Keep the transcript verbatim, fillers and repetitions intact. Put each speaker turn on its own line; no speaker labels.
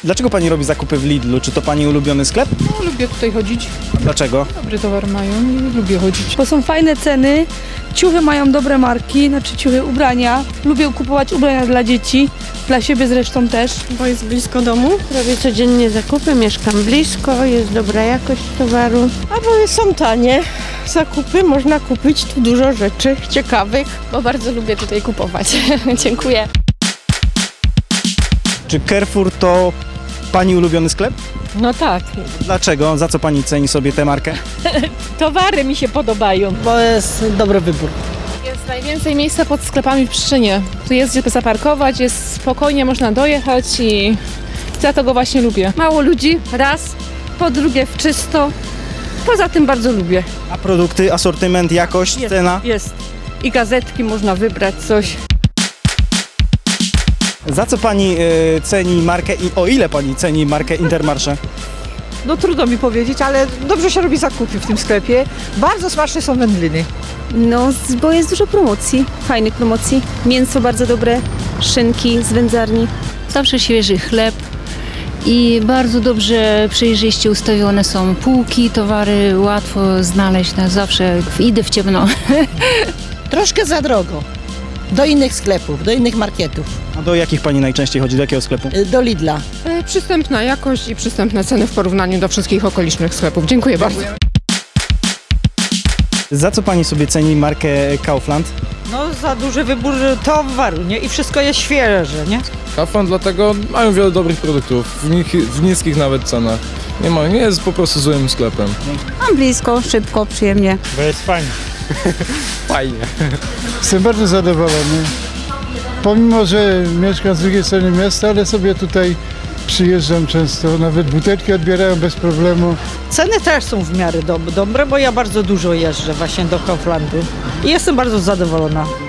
Dlaczego pani robi zakupy w Lidlu? Czy to pani ulubiony sklep?
No, lubię tutaj chodzić.
Dlaczego?
Dobry towar mają i lubię chodzić.
Bo są fajne ceny, ciuchy mają dobre marki, znaczy ciuchy, ubrania. Lubię kupować ubrania dla dzieci, dla siebie zresztą też.
Bo jest blisko domu. Robię codziennie zakupy, mieszkam blisko, jest dobra jakość towaru. A bo są tanie zakupy, można kupić tu dużo rzeczy ciekawych.
Bo bardzo lubię tutaj kupować. Dziękuję.
Czy Carrefour to pani ulubiony sklep?
No tak,
Dlaczego? Za co pani ceni sobie tę markę?
towary mi się podobają.
Bo jest dobry wybór.
Jest najwięcej miejsca pod sklepami w Pszczynie. Tu jest gdzie zaparkować, jest spokojnie, można dojechać i za to go właśnie lubię.
Mało ludzi, raz, po drugie w czysto, poza tym bardzo lubię.
A produkty, asortyment, jakość,
Jest,
cena?
jest. I gazetki można wybrać coś.
Za co pani y, ceni markę i o ile pani ceni markę Intermarché?
No trudno mi powiedzieć, ale dobrze się robi zakupy w tym sklepie. Bardzo smaczne są wędliny.
No, bo jest dużo promocji, fajnych promocji. Mięso bardzo dobre, szynki z wędzarni.
Zawsze świeży chleb i bardzo dobrze, przejrzyście ustawione są półki, towary łatwo znaleźć, no, zawsze idę w ciemno.
Troszkę za drogo. Do innych sklepów, do innych marketów.
A do jakich pani najczęściej chodzi? Do jakiego sklepu?
Y, Do Lidla.
E, Przystępna jakość i przystępne ceny w porównaniu do wszystkich okolicznych sklepów. Dziękuję bardzo.
Za co pani sobie ceni markę Kaufland?
No za duży wybór towaru, nie? I wszystko jest świeże, nie?
Kaufland dlatego mają wiele dobrych produktów, w, nich, w niskich nawet cenach. Nie ma, nie jest po prostu złym sklepem.
Mam blisko, szybko, przyjemnie.
Bo jest fajnie.
Fajnie.
Jestem bardzo zadowolony. Pomimo, że mieszkam z drugiej strony miasta, ale sobie tutaj przyjeżdżam często. Nawet butelki odbierają bez problemu.
Ceny też są w miarę dob- dobre, bo ja bardzo dużo jeżdżę właśnie do Kauflandu. I jestem bardzo zadowolona.